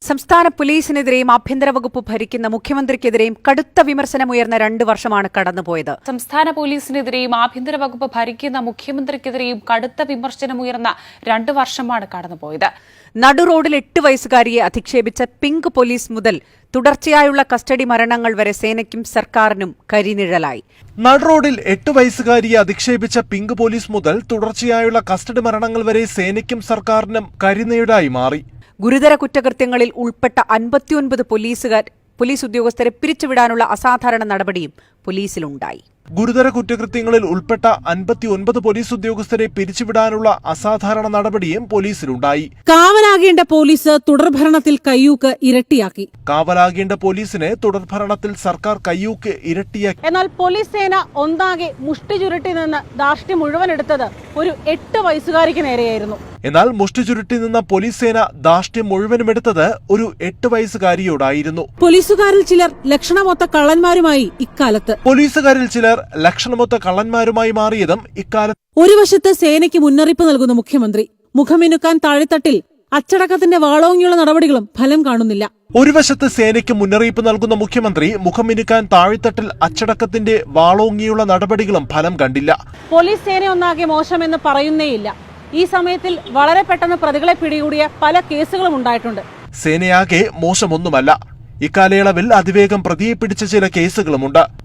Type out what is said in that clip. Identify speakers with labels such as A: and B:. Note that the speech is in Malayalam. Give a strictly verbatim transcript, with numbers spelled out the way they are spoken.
A: സംസ്ഥാന പോലീസിനെതിരെയും ആഭ്യന്തര വകുപ്പ് ഭരിക്കുന്ന മുഖ്യമന്ത്രിക്കെതിരെയും കടുത്ത വിമർശനമുയർന്ന രണ്ട് വർഷമാണ് കടന്നുപോയത്.
B: സംസ്ഥാന പോലീസിനെതിരെയും ആഭ്യന്തര വകുപ്പ് ഭരിക്കുന്ന മുഖ്യമന്ത്രിക്കെതിരെയും കടുത്ത വിമർശനമുയർന്ന രണ്ട് വർഷമാണ് കടന്നുപോയത്.
A: നടുറോഡിൽ എട്ട് വയസ്സുകാരിയെ അധിക്ഷേപിച്ച പിങ്ക് പോലീസ് മുതൽ തുടർച്ചയായുള്ള കസ്റ്റഡി മരണങ്ങൾ വരെ സേനയ്ക്കും സർക്കാരിനും കരിനിഴലായി.
C: നടുറോഡിൽ എട്ട് വയസ്സുകാരിയെ അധിക്ഷേപിച്ച പിങ്ക് പോലീസ് മുതൽ തുടർച്ചയായുള്ള കസ്റ്റഡി മരണങ്ങൾ വരെ സേനയ്ക്കും സർക്കാരിനും കരിനിഴലായി മാറി.
A: ഗുരുതര കുറ്റകൃത്യങ്ങളിൽ ഉൾപ്പെട്ട അൻപത്തിയൊൻപത് പോലീസുകാർ പോലീസ് ഉദ്യോഗസ്ഥരെ പിരിച്ചുവിടാനുള്ള അസാധാരണ നടപടിയും പോലീസിലുണ്ടായി.
C: ഗുരുതര കുറ്റകൃത്യങ്ങളിൽ ഉൾപ്പെട്ട അൻപത്തിയൊൻപത് പോലീസ് ഉദ്യോഗസ്ഥരെ പിരിച്ചുവിടാനുള്ള അസാധാരണ നടപടിയും പോലീസിലുണ്ടായി.
D: കാവലാകേണ്ട പോലീസ് തുടർഭരണത്തിൽ കയ്യൂക്ക് ഇരട്ടിയാക്കി.
C: കാവലാകേണ്ട പോലീസിനെ തുടർഭരണത്തിൽ സർക്കാർ കയ്യൂക്ക് ഇരട്ടിയാക്കി.
D: എന്നാൽ പോലീസ് സേന ഒന്നാകെ മുഷ്ടി ചുരുട്ടി നിന്ന് ധാർഷ്ട്യം മുഴുവൻ എടുത്തത് ഒരു എട്ട് വയസ്സുകാരിക്ക് നേരെയായിരുന്നു.
C: എന്നാൽ മുഷ്ടി ചുരുട്ടി നിന്ന പോലീസ് സേന ധാർഷ്ട്യം മുഴുവനും എടുത്തത് ഒരു എട്ട് വയസ്സുകാരിയോടായിരുന്നു.
D: പോലീസുകാരിൽ ചിലർ ലക്ഷണമൊത്ത കള്ളന്മാരുമായി ഇക്കാലത്ത്
C: പോലീസുകാരിൽ ചിലർ ലക്ഷണമൊത്ത കള്ളന്മാരുമായി മാറിയതും ഇക്കാലത്ത്.
D: ഒരു വശത്ത് സേനയ്ക്ക് മുന്നറിയിപ്പ് നൽകുന്ന മുഖ്യമന്ത്രി, മുഖമിനുക്കാൻ താഴെത്തട്ടിൽ അച്ചടക്കത്തിന്റെ വാളോങ്ങിയുള്ള നടപടികളും ഫലം കാണുന്നില്ല.
C: ഒരു വശത്ത് സേനയ്ക്ക് മുന്നറിയിപ്പ് നൽകുന്ന മുഖ്യമന്ത്രി, മുഖമിനുക്കാൻ താഴെത്തട്ടിൽ അച്ചടക്കത്തിന്റെ വാളോങ്ങിയുള്ള നടപടികളും ഫലം കണ്ടില്ല.
D: പോലീസ് സേന ഒന്നാകെ മോശമെന്ന് പറയുന്നേയില്ല. ഈ സമയത്തിൽ വളരെ പെട്ടെന്ന് പ്രതികളെ പിടികൂടിയ പല കേസുകളും ഉണ്ടായിട്ടുണ്ട്.
C: സേനയാകെ മോശമൊന്നുമല്ല. ഇക്കാലയളവിൽ അതിവേഗം പ്രതിയെ പിടിച്ച ചില കേസുകളുമുണ്ട്.